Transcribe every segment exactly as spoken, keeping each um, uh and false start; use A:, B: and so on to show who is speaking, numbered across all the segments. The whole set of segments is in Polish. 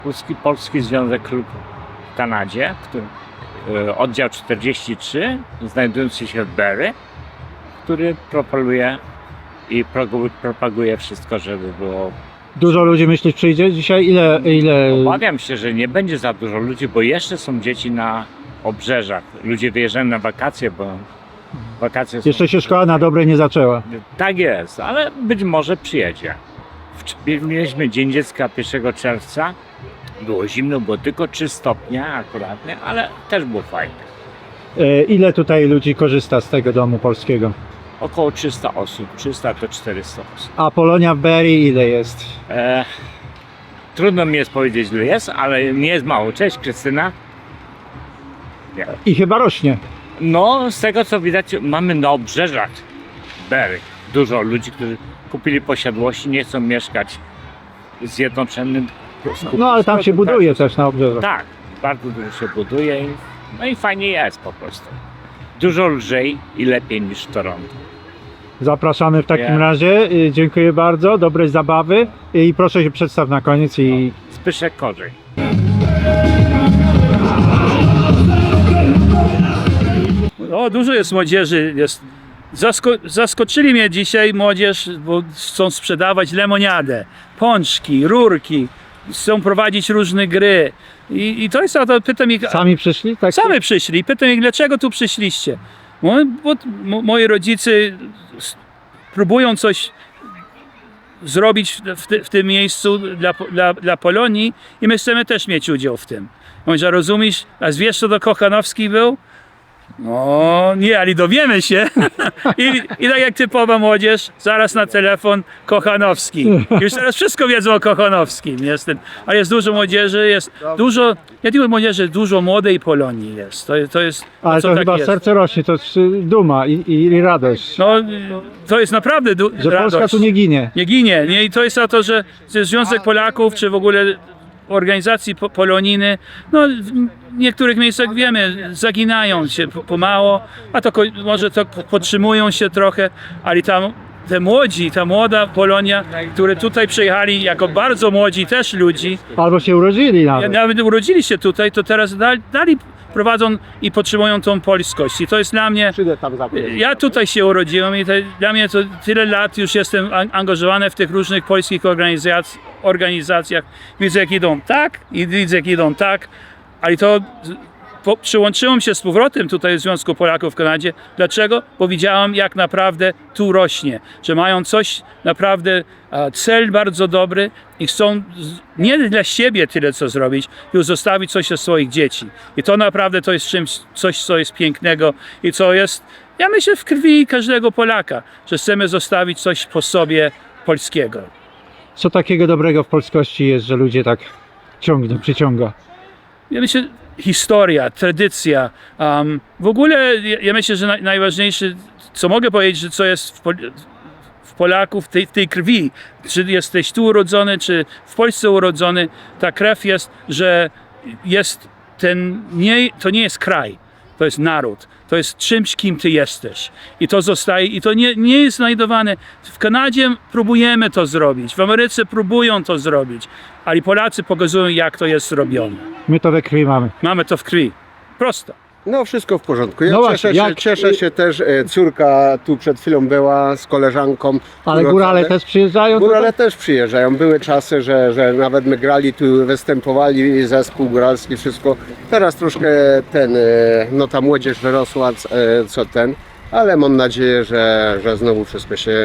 A: Polski, Polski Związek Klub w Kanadzie, który, y, oddział czterdzieści trzy, znajdujący się w Barrie, który propaguje i progu- propaguje wszystko, żeby było.
B: Dużo ludzi, myślisz, przyjdzie dzisiaj? Ile, ile?
A: Obawiam się, że nie będzie za dużo ludzi, bo jeszcze są dzieci na obrzeżach. Ludzie wyjeżdżają na wakacje, bo wakacje są...
B: Jeszcze się szkoła na dobre nie zaczęła.
A: Tak jest, ale być może przyjedzie. W- Mieliśmy Dzień Dziecka pierwszego czerwca. Było zimno, było tylko trzy stopnie akuratnie, ale też było fajnie.
B: E, Ile tutaj ludzi korzysta z tego domu polskiego?
A: Około trzysta osób, trzysta do czterystu osób.
B: A Polonia w Barrie ile jest?
A: E, trudno mi jest powiedzieć, ile jest, ale nie jest mało. Cześć, Krystyna. Nie.
B: I chyba rośnie.
A: No, z tego co widać, mamy na obrzeżach Barrie dużo ludzi, którzy kupili posiadłości, nie chcą mieszkać w zjednoczonym.
B: No ale tam się buduje też na obrzeżach.
A: Tak, bardzo dużo się buduje i, no i fajnie jest po prostu. Dużo lżej i lepiej niż w Toronto.
B: Zapraszamy w takim
A: Ja.
B: razie. Y, Dziękuję bardzo, dobrej zabawy i proszę się przedstaw na koniec i
A: Zbyszek Korzej.
C: O, dużo jest młodzieży. Jest. Zasko zaskoczyli mnie dzisiaj młodzież, bo chcą sprzedawać lemoniadę, pączki, rurki, chcą prowadzić różne gry. I, i to jest to, pytam ich,
B: sami przyszli? Tak?
C: sami przyszli, i pytam ich, dlaczego tu przyszliście? Bo, bo mo- moi rodzice s- próbują coś zrobić w, ty, w tym miejscu dla, Po- dla, dla Polonii i my chcemy też mieć udział w tym. Mówię, że rozumiesz, a wiesz, co to Kochanowski był? No nie, ale dowiemy się. I, I tak jak typowa młodzież, zaraz na telefon Kochanowski. Już teraz wszystko wiedzą o Kochanowskim. Jest ten, ale jest dużo młodzieży, jest dużo, ja digo młodzieży, dużo młodej Polonii jest. To, to jest,
B: Ale
C: co
B: to
C: tak
B: chyba
C: jest.
B: serce rośnie, to jest y, duma i, i, i radość.
C: No, to jest naprawdę du-
B: Że
C: radość.
B: Polska tu nie ginie.
C: Nie ginie. Nie? I to jest to, że, że Związek Polaków, czy w ogóle organizacji po, polonijne, no w niektórych miejscach wiemy, zaginają się p- pomału, a to ko- może to podtrzymują się trochę, ale tam te młodzi, ta młoda Polonia, które tutaj przyjechali jako bardzo młodzi też ludzi,
B: Albo się urodzili nawet.
C: nawet urodzili się tutaj, to teraz dal- dalej prowadzą i podtrzymują tą polskość. I to jest dla mnie, ja tutaj się urodziłem i to, dla mnie to tyle lat już jestem an- angażowany w tych różnych polskich organizac- organizacjach. Widzę jak idą tak i widzę jak idą tak, ale to z- po, przyłączyłem się z powrotem tutaj do Związku Polaków w Kanadzie. Dlaczego? Bo widziałem jak naprawdę tu rośnie, że mają coś naprawdę, a, cel bardzo dobry i chcą z- nie dla siebie tyle co zrobić, tylko zostawić coś dla swoich dzieci. I to naprawdę to jest czymś, coś co jest pięknego i co jest, ja myślę, w krwi każdego Polaka, że chcemy zostawić coś po sobie polskiego.
B: Co takiego dobrego w polskości jest, że ludzie tak ciągnie, przyciąga?
C: Ja myślę, historia, tradycja. Um, w ogóle ja, ja myślę, że naj, najważniejsze, co mogę powiedzieć, że co jest w, Pol w Polaków, w tej, tej krwi, czy jesteś tu urodzony, czy w Polsce urodzony, ta krew jest, że jest ten, nie, to nie jest kraj, to jest naród. To jest czymś, kim ty jesteś. I to zostaje, i to nie, nie jest znajdowane. W Kanadzie próbujemy to zrobić, w Ameryce próbują to zrobić, ale Polacy pokazują, jak to jest zrobione.
B: My to we krwi mamy.
C: Mamy to w krwi. Prosto.
D: No wszystko w porządku. Ja
B: No właśnie,
D: cieszę, się,
B: jak-
D: cieszę się też, e, córka tu przed chwilą była z koleżanką.
B: Ale
D: urodzone.
B: górale też przyjeżdżają?
D: Górale też przyjeżdżają. Były czasy, że, że nawet my grali tu, występowali, zespół góralski, wszystko. Teraz troszkę ten, e, no ta młodzież wyrosła, c- e, co ten, ale mam nadzieję, że, że znowu wszystko się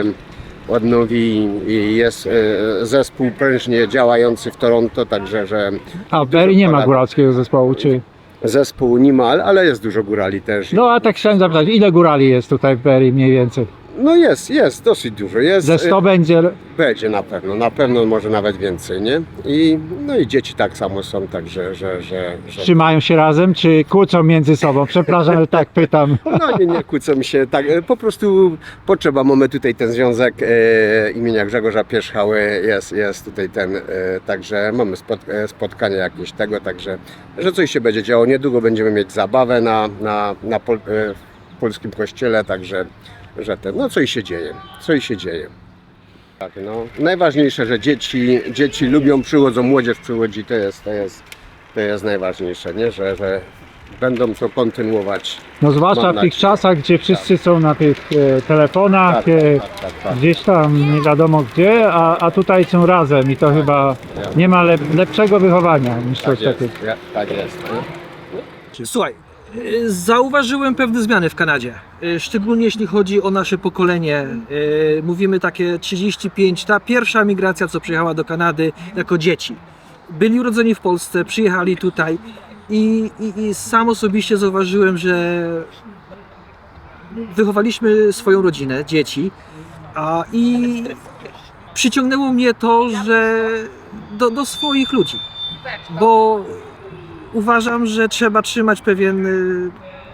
D: odnowi i jest e, zespół prężnie działający w Toronto, także że
B: A w Barrie nie ma
D: Polaków.
B: góralskiego zespołu, czy?
D: zespół niemal, ale jest dużo górali też.
B: No a tak chciałem zapytać, ile górali jest tutaj w Barrie mniej więcej?
D: No jest, jest, dosyć dużo. Jest,
B: Ze sto
D: e,
B: będzie?
D: Będzie na pewno, na pewno może nawet więcej, nie? I, no i dzieci tak samo są, także, że, że, że...
B: Trzymają się razem, czy kłócą między sobą? Przepraszam, że tak pytam.
D: No nie, nie kłócą się, tak, e, po prostu potrzeba, mamy tutaj ten związek e, imienia Grzegorza Pierzchały, jest, jest tutaj ten, e, także mamy spot, e, spotkanie jakieś tego, także, że coś się będzie działo, niedługo będziemy mieć zabawę na, na, na pol, e, w polskim kościele, także, że ten, no coś się dzieje, coś się dzieje. Tak, no. Najważniejsze, że dzieci, dzieci lubią, przychodzą, młodzież przychodzi, to jest, to jest, to jest najważniejsze, nie? Że, że będą to kontynuować.
B: No zwłaszcza
D: Mam
B: w tych
D: nadzieję.
B: czasach, gdzie wszyscy są na tych e, telefonach,
D: Tak,
B: e,
D: tak, tak, tak.
B: gdzieś tam nie wiadomo gdzie, a, a tutaj są razem i to chyba nie ma lep, lepszego wychowania niż
D: Tak
B: coś
D: jest,
B: takiego.
D: ja- tak jest. Nie?
E: Słuchaj, y, zauważyłem pewne zmiany w Kanadzie, y, szczególnie jeśli chodzi o nasze pokolenie. Y, Mówimy takie trzydzieści pięć, ta pierwsza migracja, co przyjechała do Kanady jako dzieci. Byli urodzeni w Polsce, przyjechali tutaj i, i, i sam osobiście zauważyłem, że wychowaliśmy swoją rodzinę, dzieci, a i przyciągnęło mnie to, że do, do swoich ludzi, bo uważam, że trzeba trzymać pewien y,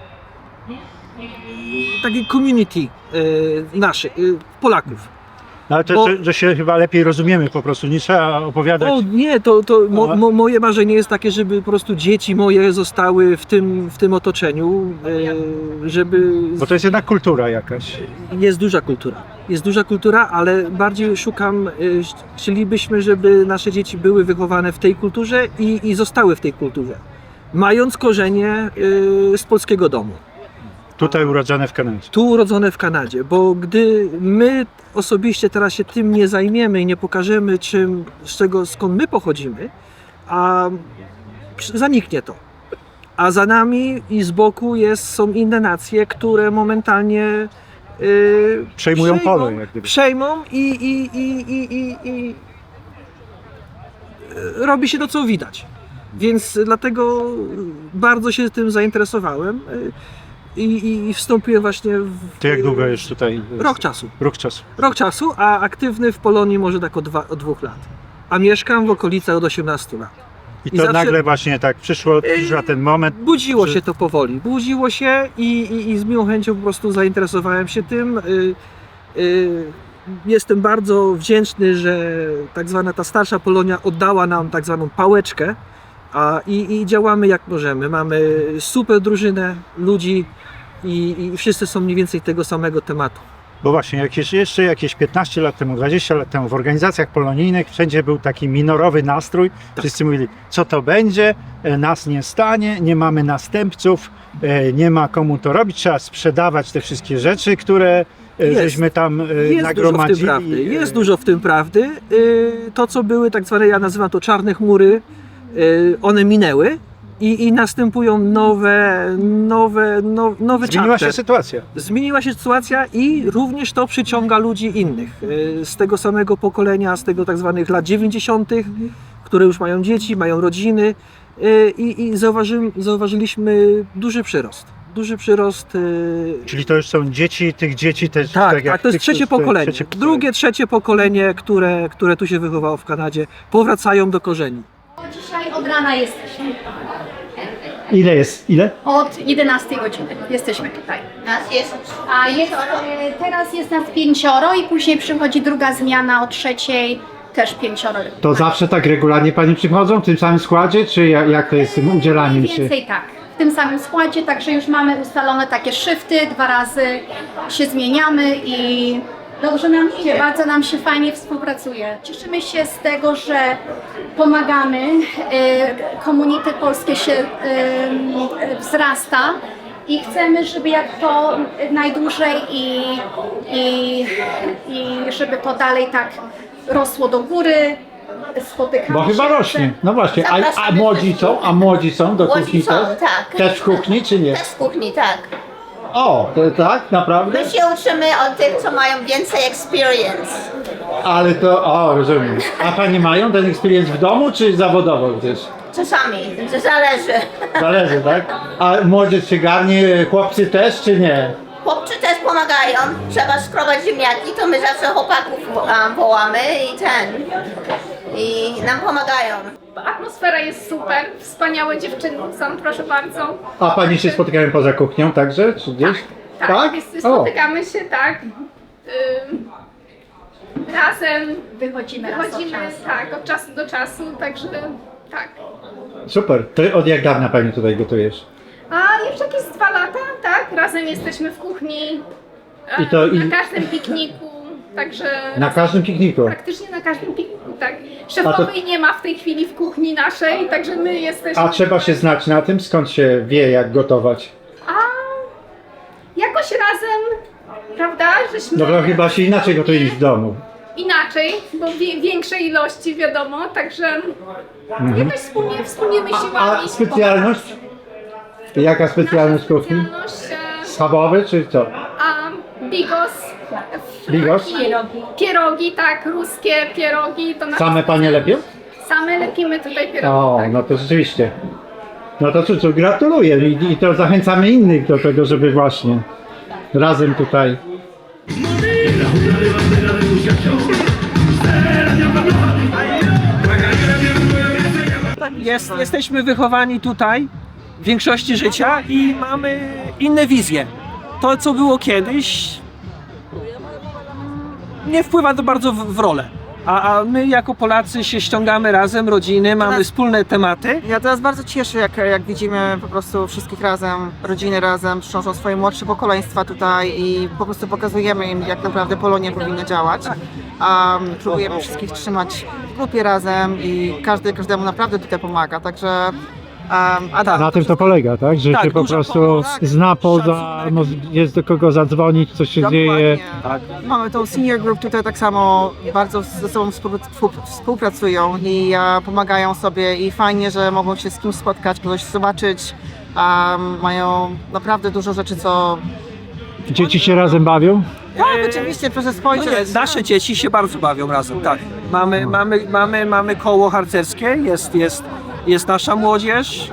E: taki community y, naszych, y, Polaków.
B: No, ale to,
E: Bo-
B: że, że się chyba lepiej rozumiemy po prostu, nie trzeba opowiadać.
E: O nie, to, to mo,
B: Aha.
E: mo, moje marzenie jest takie, żeby po prostu dzieci moje zostały w tym, w tym otoczeniu, y, żeby...
B: Bo to jest jednak kultura jakaś.
E: Jest duża kultura. Jest duża kultura, ale bardziej szukam, y, chcielibyśmy, żeby nasze dzieci były wychowane w tej kulturze i, i zostały w tej kulturze. Mając korzenie y, z polskiego domu.
B: Tutaj urodzone w Kanadzie.
E: Tu urodzone w Kanadzie, bo gdy my osobiście teraz się tym nie zajmiemy i nie pokażemy czym, z czego, skąd my pochodzimy, a zaniknie to. A za nami i z boku jest, są inne nacje, które momentalnie yy,
B: Przejmują pole, jak gdyby.
E: Przejmą i, i, i, i, i, i yy, robi się to, co widać. Więc dlatego bardzo się tym zainteresowałem. Yy, I, i wstąpiłem właśnie w
B: Ty jak długo już tutaj?
E: rok czasu.
B: Rok czasu.
E: Rok czasu, a aktywny w Polonii może tak od, dwa, od dwóch lat. A mieszkam w okolicach od osiemnastu lat.
B: I
E: I
B: to
E: zawsze-
B: nagle właśnie tak przyszło, przyszła ten moment.
E: Budziło
B: że-
E: się to powoli. Budziło się i, i, i z miłą chęcią po prostu zainteresowałem się tym. Y, y, jestem bardzo wdzięczny, że tak zwana ta starsza Polonia oddała nam tak zwaną pałeczkę, a, i, i działamy jak możemy. Mamy super drużynę ludzi i, i wszyscy są mniej więcej tego samego tematu.
B: Bo właśnie jakieś, jeszcze jakieś piętnaście lat temu, dwadzieścia lat temu w organizacjach polonijnych wszędzie był taki minorowy nastrój. Wszyscy mówili, co to będzie, e, nas nie stanie, nie mamy następców, e, nie ma komu to robić, trzeba sprzedawać te wszystkie rzeczy, które e,
E: Jest.
B: żeśmy tam e,
E: Jest dużo w tym
B: nagromadzili.
E: prawdy. Jest
B: E,
E: dużo w tym prawdy. Y, To, co były tak zwane, ja nazywam to czarne chmury, y, one minęły i, i następują nowe, nowe, now, nowe
B: Zmieniła
E: chapter.
B: się sytuacja.
E: Zmieniła się sytuacja i również to przyciąga ludzi innych y, z tego samego pokolenia, z tego tak zwanych lat dziewięćdziesiątych, które już mają dzieci, mają rodziny y, i, i zauważy, zauważyliśmy duży przyrost. Duży przyrost. y,
B: Czyli to już są dzieci, tych dzieci też.
E: tak,
B: jak
E: tak, to jest
B: tych,
E: trzecie
B: które-
E: pokolenie.
B: trzecie
E: Drugie, trzecie pokolenie, które, które tu się wychowało w Kanadzie, powracają do korzeni.
F: Dzisiaj od rana jesteśmy.
B: Ile jest? Ile?
F: Od jedenastej godziny jesteśmy tutaj.
G: Nas jest
F: A jest, e, teraz jest nas pięcioro i później przychodzi druga zmiana o trzeciej, też pięcioro.
B: To zawsze tak regularnie pani przychodzą w tym samym składzie, czy jak, jak to jest z tym udzielaniem się?
F: Więcej tak, w tym samym składzie, także już mamy ustalone takie shifty, dwa razy się zmieniamy i dobrze nam idzie, bardzo nam się fajnie współpracuje. Cieszymy się z tego, że pomagamy, e, community polskie się e, wzrasta i chcemy, żeby jak to najdłużej i, i, i żeby to dalej tak rosło do góry. Spotykamy
B: Bo chyba
F: się.
B: rośnie. No właśnie, a, a
G: Zapraszamy
B: młodzi
G: wszystkich.
B: są? A młodzi są do
G: Młodzi
B: kuchni
G: są,
B: też?
G: tak.
B: Też w kuchni, czy nie?
G: też w kuchni, tak.
B: O, to tak, naprawdę?
G: My się uczymy od tych, co mają więcej experience.
B: Ale to, o, rozumiem. A pani mają ten experience w domu, czy zawodowo gdzieś?
G: Czasami, to zależy.
B: Zależy, tak? A młodzież się garnie, chłopcy też, czy nie?
G: Chłopcy też pomagają. Trzeba skrobać ziemniaki, to my zawsze chłopaków um, wołamy i ten. I nam pomagają.
H: Atmosfera jest super, wspaniałe dziewczyny są, proszę bardzo.
B: A pani się spotykają poza kuchnią także, czy gdzieś?
H: Tak, jest, spotykamy się, tak. Ym, razem
F: Wychodzimy raz od
H: wychodzimy,
F: czasu.
H: tak, od czasu do czasu, także tak.
B: Super. To od jak dawna pani tutaj gotujesz?
H: A już jakieś dwa lata, tak, razem jesteśmy w kuchni,
B: I to
H: e, na
B: i-
H: każdym pikniku. Także
B: Na każdym pikniku.
H: praktycznie na każdym pikniku, tak. Szefowej nie ma w tej chwili w kuchni naszej, także my jesteśmy...
B: A trzeba się znać na tym, skąd się wie, jak gotować.
H: A jakoś razem, prawda, żeśmy...
B: No bo chyba się inaczej gotuje niż w domu.
H: Inaczej, bo wie, większej ilości wiadomo, także jakoś wspólnie, wspólnymi
B: A
H: siłami.
B: specjalność? Jaka specjalność
H: Nasza
B: kuchni?
H: specjalność, e,
B: Schabowy czy co?
H: a bigos.
B: Bigos?
H: Pierogi. Pierogi, tak, ruskie pierogi. To nasze
B: Same panie lepią?
H: Same lepimy tutaj pierogi.
B: O,
H: tak.
B: no to rzeczywiście. No to cóż, gratuluję i, i to zachęcamy innych do tego, żeby właśnie razem tutaj.
E: Jest, jesteśmy wychowani tutaj w większości życia i mamy inne wizje. To, co było kiedyś, nie wpływa to bardzo w, w rolę. A, a my jako Polacy się ściągamy razem, rodziny, mamy wspólne tematy.
I: Ja teraz bardzo cieszę, jak, jak widzimy po prostu wszystkich razem, rodziny razem, przynoszą swoje młodsze pokoleństwa tutaj i po prostu pokazujemy im, jak naprawdę Polonia powinna działać. Um, próbujemy wszystkich trzymać w grupie razem i każdy każdemu naprawdę tutaj pomaga, także um, a tak.
B: Na tym to polega, tak? Że
E: Tak,
B: się po
E: dużo
B: prostu
E: pomocy,
B: zna poza,
E: szacunek.
B: no, jest do kogo zadzwonić, co się dzieje.
I: Tak. Mamy tą senior group tutaj tak samo bardzo ze sobą współ- współpracują i e, pomagają sobie i fajnie, że mogą się z kimś spotkać, kogoś zobaczyć. Um, mają naprawdę dużo rzeczy, co...
B: Dzieci się razem bawią?
I: Tak, oczywiście, proszę
E: No
I: spojrzeć.
E: nie, nasze dzieci się bardzo bawią razem, tak. Mamy, mamy, mamy, mamy koło harcerskie, jest, jest, jest nasza młodzież.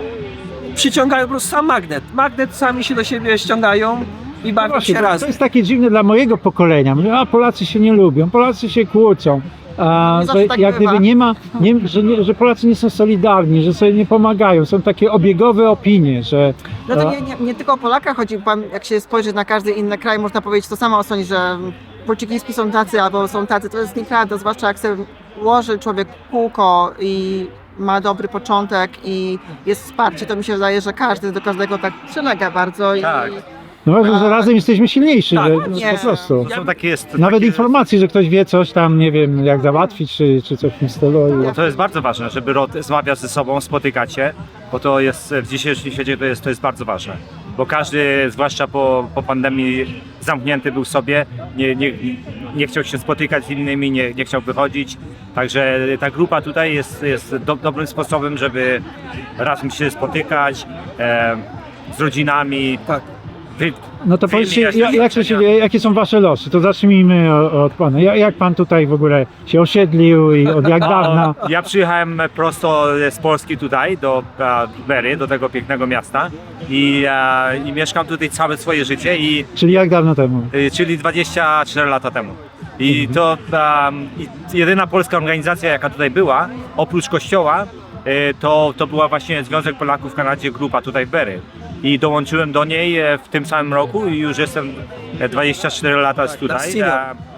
E: Przyciągają po prostu sam magnet. Magnet sami się do siebie ściągają i bawią
B: Właśnie,
E: się
B: to, to
E: razem.
B: jest takie dziwne dla mojego pokolenia. Mówię, a Polacy się nie lubią, Polacy się kłócą. A,
I: Nie
B: że
I: zawsze tak
B: jak
I: bywa.
B: gdyby nie ma, nie, że, nie, że Polacy nie są solidarni, że sobie nie pomagają. Są takie obiegowe opinie, że
I: No to
B: a,
I: nie, nie, nie tylko o Polakach chodzi, pan, jak się spojrzy na każdy inny kraj, można powiedzieć to samo o sądzie, że Portugiezki są tacy albo są tacy, to jest nieprawda, zwłaszcza jak sobie ułoży człowiek kółko i ma dobry początek i jest wsparcie, to mi się wydaje, że każdy do każdego tak przylega bardzo i
C: Tak.
B: no, że, że razem jesteśmy silniejsi,
E: Tak,
B: że, no,
I: nie.
B: po prostu.
C: Są takie, jest,
B: Nawet
C: takie,
B: informacji, że ktoś wie coś tam, nie wiem, jak załatwić, czy, czy coś w tym stylu. I-
J: To jest bardzo ważne, żeby rozmawiać ze sobą, spotykać się, bo to jest w dzisiejszym świecie to jest, to jest bardzo ważne. Bo każdy, zwłaszcza po, po pandemii, zamknięty był w sobie, nie, nie, nie chciał się spotykać z innymi, nie, nie chciał wychodzić. Także ta grupa tutaj jest, jest do, dobrym sposobem, żeby razem się spotykać e, z rodzinami.
E: Tak.
J: Wy,
B: No to powiedzcie,
J: wyjaśnić
B: jak, jak to się dzieje, jakie są wasze losy? To zacznijmy o- od pana. Jak, jak pan tutaj w ogóle się osiedlił i od jak dawna?
J: Ja przyjechałem prosto z Polski tutaj, do e, Berry, do tego pięknego miasta i, e, i mieszkam tutaj całe swoje życie, i,
B: Czyli jak dawno temu?
J: e, czyli dwadzieścia cztery lata temu. I to um, i jedyna polska organizacja, jaka tutaj była, oprócz kościoła, e, to, to była właśnie Związek Polaków w Kanadzie, grupa tutaj w Berry. I dołączyłem do niej e, w tym samym roku i już jestem e, dwadzieścia cztery lata tutaj.
E: senior.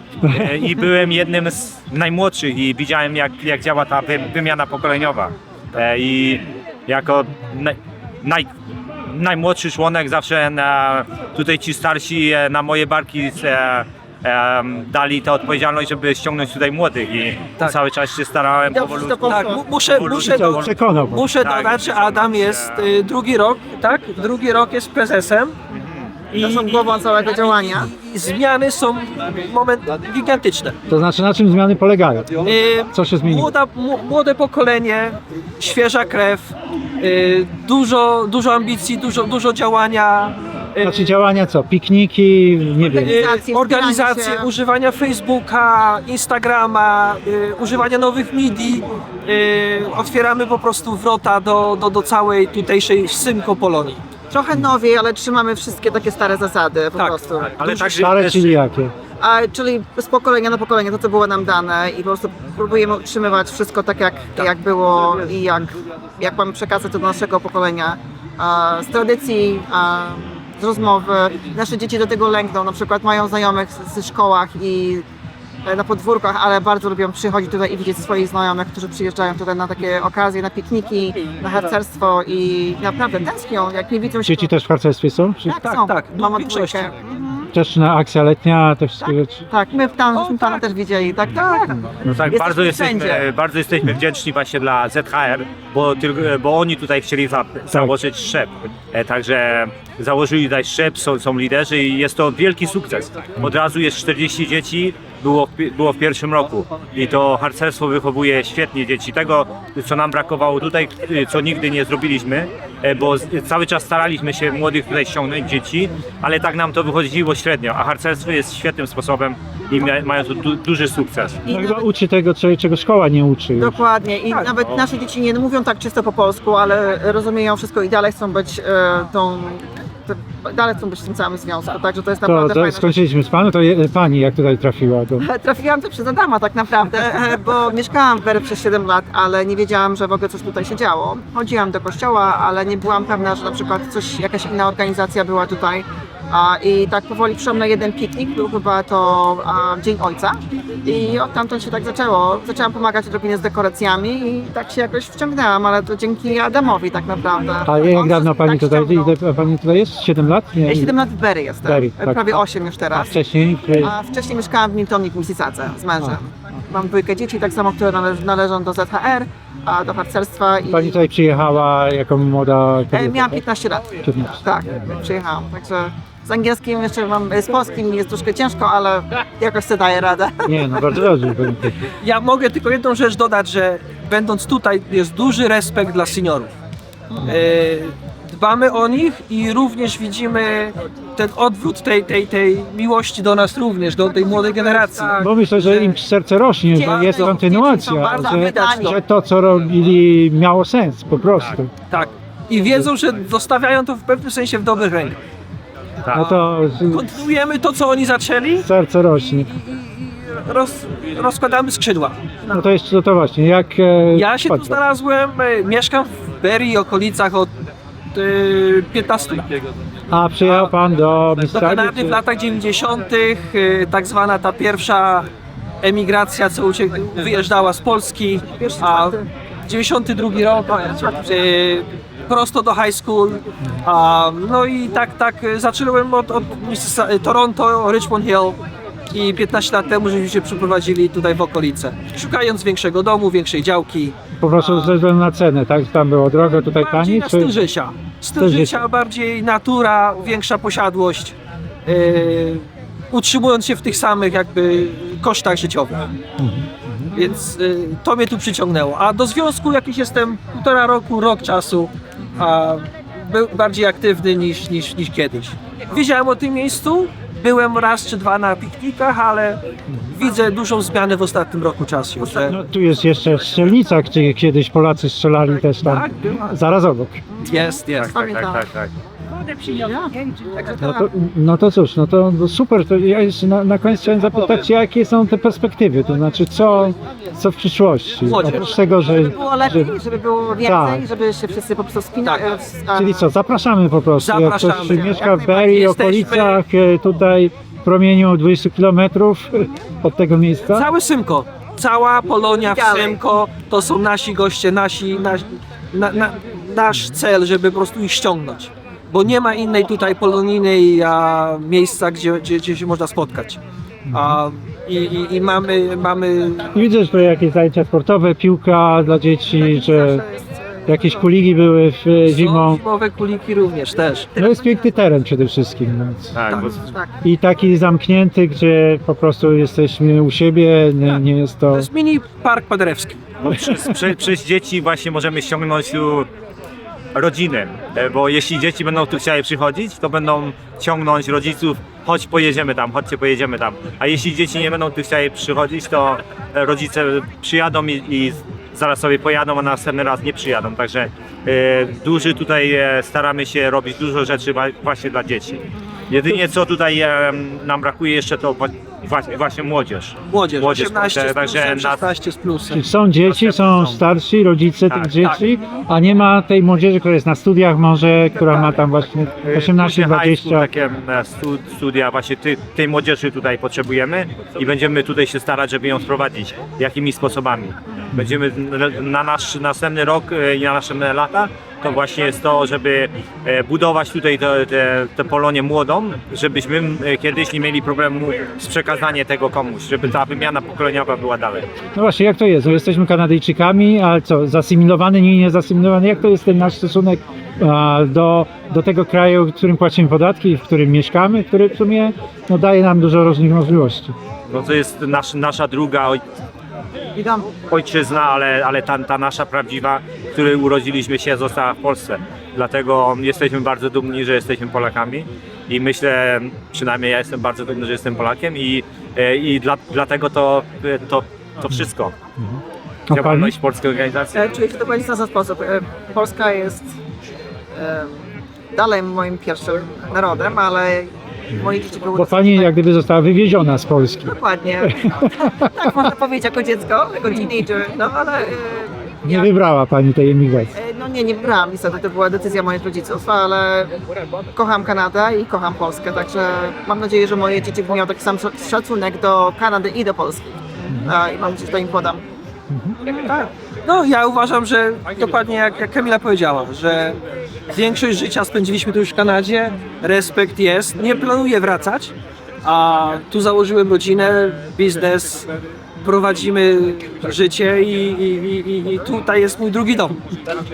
J: E, I byłem jednym z najmłodszych i widziałem, jak, jak działa ta wy, wymiana pokoleniowa. E, I jako naj, naj, najmłodszy członek zawsze na, tutaj ci starsi e, na moje barki e, e, dali tę odpowiedzialność, żeby ściągnąć tutaj młodych i
E: Tak.
J: cały czas się starałem
I: Dobrze,
J: powolutku.
I: to
E: Tak, mu- muszę, muszę, do,
B: Przekonał pan.
E: muszę
J: Tak,
E: dodać, że
J: muszę
E: Adam
J: dodać,
E: jest
J: że-
E: y, drugi rok, tak? Drugi rok jest prezesem. I,
I: To są głową całego działania.
E: i, i zmiany są moment gigantyczne.
B: To znaczy, na czym zmiany polegają?
E: Y,
B: Co się zmieniło?
E: Młoda, mu- młode pokolenie, świeża krew, y, dużo, dużo ambicji, dużo, dużo działania. y,
B: Znaczy działania co? Pikniki, nie wiem.
I: Organizacje,
E: y, organizacje,
I: wspieranie się.
E: używania Facebooka, Instagrama, y, używania nowych medii. Y, otwieramy po prostu wrota do, do, do całej tutejszej Symko Polonii.
I: Trochę nowiej, ale trzymamy wszystkie takie stare zasady po
E: Tak.
I: prostu.
J: Ale także
B: Stare,
J: też,
B: czyli jakie?
I: A, czyli z pokolenia na pokolenie, to co było nam dane i po prostu próbujemy utrzymywać wszystko tak jak, jak było i jak, jak mamy przekazać to do naszego pokolenia. A, z tradycji, a, z rozmowy. Nasze dzieci do tego lękną, na przykład mają znajomych z- ze szkołach i e, na podwórkach, ale bardzo lubią przychodzić tutaj i widzieć swoich znajomych, którzy przyjeżdżają tutaj na takie okazje, na pikniki, na harcerstwo i naprawdę tęsknią, jak nie widzą się.
B: Dzieci też w harcerstwie są? Czy...
I: Tak,
E: Tak,
I: są.
E: tak,
I: Mama
E: w większości.
I: dwójkę. Mhm.
B: wczesna akcja letnia, te wszystkie rzeczy.
I: Tak, my tam żeśmy pana też widzieli, tak, tak.
J: No tak,
I: Jesteśmy
J: bardzo
I: wszędzie.
J: jesteśmy, bardzo jesteśmy wdzięczni właśnie dla Z H R, bo, tylko, bo oni tutaj chcieli za, założyć szczep. E, także założyli tutaj szczep, są, są liderzy i jest to wielki sukces. Od razu jest czterdzieści dzieci, było, w pi- było w pierwszym roku i to harcerstwo wychowuje świetnie dzieci. Tego, co nam brakowało tutaj, co nigdy nie zrobiliśmy, e, bo z- cały czas staraliśmy się młodych tutaj ściągnąć, dzieci, ale tak nam to wychodziło średnio, a harcerstwo jest świetnym sposobem i mia- mają tu du- duży sukces.
I: I
B: No,
I: nawet,
B: chyba uczy tego, co- czego szkoła nie uczy już.
I: dokładnie. I nawet nasze dzieci nie mówią tak czysto po polsku, ale rozumieją wszystko i dalej chcą być e, tą... te- Dalej chcą być w tym samym związku, także to jest
B: To,
I: naprawdę
B: to
I: fajne.
B: skończyliśmy z panu, to je, pani jak tutaj trafiła? To...
I: Trafiłam tu przez Adama tak naprawdę, e, bo mieszkałam w Berry przez siedem lat, ale nie wiedziałam, że w ogóle coś tutaj się działo. Chodziłam do kościoła, ale nie byłam pewna, że na przykład coś, jakaś inna organizacja była tutaj. A, I tak powoli przyszłam na jeden piknik, był chyba to a, Dzień Ojca i od tamtąd się tak zaczęło. Zaczęłam pomagać odrobinie z dekoracjami i tak się jakoś wciągnęłam, ale to dzięki Adamowi tak naprawdę.
B: A jak
I: On
B: dawno
I: się
B: pani
I: tak
B: tutaj,
I: ściągnął.
B: ile pani tutaj jest? siedem lat? Nie,
I: Ja siedem lat w Berry jestem,
B: Berry, tak.
I: prawie osiem już
B: A
I: teraz.
B: wcześniej? Czy...
I: A wcześniej mieszkałam w Miltonie w Mississadze z mężem. Mam dwójkę dzieci, tak samo, które należ, należą do Z H R, a do harcerstwa i
B: Pani tutaj przyjechała jako młoda
I: e,
B: kobieta?
I: miałam
B: tak?
I: piętnaście lat.
B: piętnaście.
I: Tak, przyjechałam. Także z angielskim jeszcze mam, z polskim jest troszkę ciężko, ale jakoś sobie daję radę.
B: Nie, no bardzo dobrze. powiem tak.
E: Ja mogę tylko jedną rzecz dodać, że będąc tutaj jest duży respekt dla seniorów. E, Dbamy o nich i również widzimy ten odwrót tej, tej, tej miłości do nas również, do tej młodej generacji.
B: Bo myślę, że im serce rośnie, że jest
I: Dzieci są
B: kontynuacja,
I: bardzo
B: że,
I: wydani.
B: że to, co robili, miało sens po prostu.
E: Tak. I wiedzą, że zostawiają to w pewnym sensie w dobrych rękach.
B: No to
E: Kontynuujemy to, co oni zaczęli
B: serce rośnie.
E: i roz, rozkładamy skrzydła.
B: No to jeszcze to właśnie, jak... e,
E: Ja się tu
B: patrzę.
E: znalazłem, e, mieszkam w Berry i okolicach od e, piętnastu lat.
B: A przyjechał pan do
E: Do
B: Mississauga?
E: Kanady w latach dziewięćdziesiątych, e, tak zwana ta pierwsza emigracja, co uciek- wyjeżdżała z Polski, a dziewięćdziesiąty drugi rok, e, prosto do high school, a, no i tak, tak e, zacząłem od, od Mississa- Toronto, Richmond Hill i piętnaście lat temu żeśmy się przeprowadzili tutaj w okolice, szukając większego domu, większej działki.
B: Po prostu ze względu na cenę, tak? Tam było drogo, tutaj
E: Bardziej
B: taniej?
E: na styl życia. Styl
B: Styl
E: życia, bardziej natura, większa posiadłość, yy, utrzymując się w tych samych jakby kosztach życiowych. Więc yy, to mnie tu przyciągnęło. A do związku jakiś jestem półtora roku, rok czasu, a był bardziej aktywny niż, niż, niż kiedyś. Wiedziałem o tym miejscu, byłem raz czy dwa na piknikach, ale widzę dużą zmianę w ostatnim roku czasu. Że
B: No tu jest jeszcze strzelnica, gdzie kiedyś Polacy strzelali też tam,
E: tak, była.
B: zaraz obok.
E: Jest, jest.
J: Tak, tak, tak, tak.
B: No to, no to cóż, no to no super, to ja jeszcze na, na koniec chciałem zapytać, jakie są te perspektywy, to znaczy co, co w przyszłości,
E: Młodzież.
B: oprócz tego, że...
I: Żeby było lepiej,
B: że
I: żeby było więcej,
B: Tak.
I: żeby się wszyscy po prostu spinali.
E: Tak.
I: e,
B: czyli co, zapraszamy po prostu, jak ktoś
E: Zapraszamy.
B: mieszka
I: Jak
B: w Berry i
E: najbardziej.
B: okolicach, e, tutaj w promieniu dwudziestu kilometrów od tego miejsca.
E: Całe Symko, cała Polonia w
I: Dalej.
E: Symko to są nasi goście, nasi, nasi na, na, nasz cel, żeby po prostu ich ściągnąć. Bo nie ma innej tutaj polonijnej a, miejsca, gdzie, gdzie, gdzie się można spotkać. A, i, i, I mamy, mamy
B: I widzę, że tutaj jakieś zajęcia sportowe, piłka dla dzieci, że jakieś kuligi były w, e, zimą.
E: zimowe kuliki również też.
B: No jest piękny teren przede wszystkim. Więc.
J: Tak, bo
I: Tak.
B: I taki zamknięty, gdzie po prostu jesteśmy u siebie, nie, nie jest to...
E: To jest mini park paderewski.
J: Bo przez, przez, przez dzieci właśnie możemy ściągnąć tu rodziny, e, bo jeśli dzieci będą tu chciały przychodzić, to będą ciągnąć rodziców, chodź pojedziemy tam, chodźcie pojedziemy tam. A jeśli dzieci nie będą tu chciały przychodzić, to e, rodzice przyjadą i, i zaraz sobie pojadą, a następny raz nie przyjadą. Także e, duży tutaj e, staramy się robić dużo rzeczy wa- właśnie dla dzieci. Jedynie co tutaj e, nam brakuje jeszcze to wa- właśnie, właśnie młodzież.
E: Młodzież,
J: Młodzież,
E: osiemnaście z
J: także
E: plusem,
J: nas-
E: szesnaście z plusem.
B: Są dzieci, są starsi, rodzice
J: Tak,
B: tych dzieci, a nie ma tej młodzieży, która jest na studiach może, która ma tam właśnie osiemnaście
J: Później high school,
B: dwadzieścia.
J: takie e, stu- studia, właśnie ty, tej młodzieży tutaj potrzebujemy i będziemy tutaj się starać, żeby ją sprowadzić. Jakimi sposobami? Będziemy n- na nasz następny rok e, i na następne lata to właśnie jest to, żeby e, budować tutaj tę te, te Polonię młodą, żebyśmy e, kiedyś nie mieli problemu z przekazaniem tego komuś, żeby ta wymiana pokoleniowa była dalej.
B: No właśnie, jak to jest? No jesteśmy Kanadyjczykami, ale co, zasymilowany, nie niezasymilowany? Jak to jest ten nasz stosunek a, do, do tego kraju, w którym płacimy podatki, w którym mieszkamy, który w sumie no, daje nam dużo różnych możliwości?
J: No to jest nasz, nasza druga oj,
I: Witam.
J: ojczyzna, ale, ale ta, ta nasza prawdziwa, w której urodziliśmy się, została w Polsce. Dlatego jesteśmy bardzo dumni, że jesteśmy Polakami i myślę, przynajmniej ja jestem bardzo dumny, że jestem Polakiem i, e, i dla, dlatego to, to, to wszystko.
B: A
J: Działalność polskiej organizacji.
I: E, Czuję się dokładnie w ten sam sposób. E, Polska jest e, dalej moim pierwszym narodem, ale moje dzieci były...
B: Bo pani jak gdyby została wywieziona z Polski.
I: Dokładnie. Tak można powiedzieć jako dziecko, jako teenager, no ale... E,
B: Nie
I: ja-
B: wybrała pani tej emigracji.
I: e, No nie, nie wybrałam niestety, to była decyzja moich rodziców, ale kocham Kanadę i kocham Polskę, także mam nadzieję, że moje dzieci będą miały taki sam szacunek do Kanady i do Polski. A, I mam nadzieję, że to im podam.
E: Tak. No ja uważam, że dokładnie jak, jak Kamila powiedziała, że większość życia spędziliśmy tu już w Kanadzie, respekt jest, nie planuję wracać, a tu założyłem rodzinę, biznes, prowadzimy życie i, i, i, i tutaj jest mój drugi dom.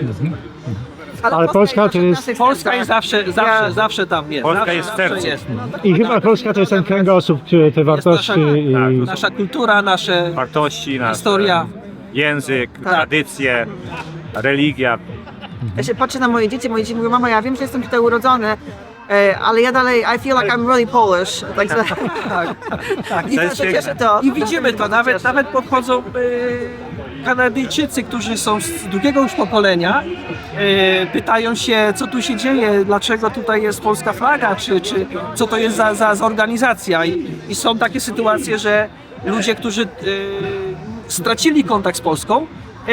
B: Ale Polska to jest-
E: Polska jest zawsze, zawsze, zawsze tam jest.
J: Polska
E: zawsze,
J: jest w
E: zawsze
J: sercu.
E: jest.
B: I chyba Polska to jest ten kręgosłup, który te wartości i...
J: Tak.
E: Nasza kultura, nasze
J: Wartości, nasze,
E: historia.
J: język,
I: Tak.
J: tradycje, religia.
I: Ja się patrzę na moje dzieci, moje dzieci mówią, mama, ja wiem, że jestem tutaj urodzony, e, ale ja dalej, I feel like I'm really Polish. Także,
E: Tak, tak.
I: I
J: To jest
I: to się cieszę
J: piękne.
I: to.
E: I widzimy to, nawet, nawet podchodzą e, Kanadyjczycy, którzy są z drugiego już pokolenia, e, pytają się, co tu się dzieje, dlaczego tutaj jest polska flaga, czy, czy co to jest za, za, za organizacja. I, I są takie sytuacje, że ludzie, którzy e, stracili kontakt z Polską, e,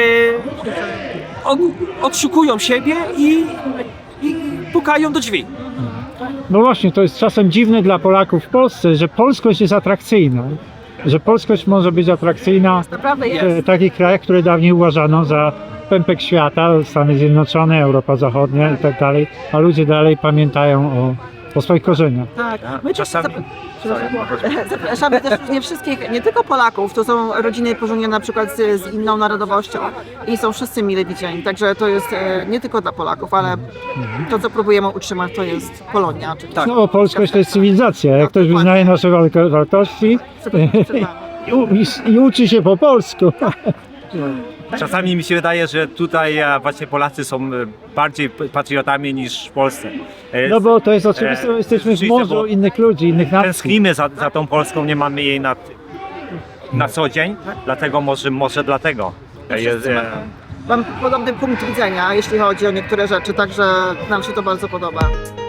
E: od, odszukują siebie i, i pukają do drzwi.
B: No właśnie, to jest czasem dziwne dla Polaków w Polsce, że polskość jest atrakcyjna. Że polskość może być atrakcyjna
I: Naprawdę
B: w
I: jest.
B: e, takich krajach, które dawniej uważano za pępek świata, Stany Zjednoczone, Europa Zachodnia i tak dalej, a ludzie dalej pamiętają o, o swoich korzeniach.
I: Tak. My
J: Czasami-
I: Czasami... Zapraszamy też nie wszystkich, nie tylko Polaków, to są rodziny pożenione na przykład z, z inną narodowością i są wszyscy mile widziani, także to jest e, nie tylko dla Polaków, ale to, co próbujemy utrzymać, to jest Polonia. Czyli
B: No bo polskość to jest cywilizacja. Jak ktoś wyznaje nasze walko- wartości i, u- i, i uczy się po polsku.
J: Czasami mi się wydaje, że tutaj e, właśnie Polacy są e, bardziej p- patriotami niż w Polsce. E,
B: No bo to jest oczywiste,
J: E,
B: bo jesteśmy w
J: rzeczywiście,
B: morzu
J: bo
B: innych ludzi, innych nacji.
J: Tęsknimy za, za tą Polską, nie mamy jej na, na co dzień, dlatego może, może dlatego. E, Jest, e,
I: Mam podobny punkt widzenia, jeśli chodzi o niektóre rzeczy, także nam się to bardzo podoba.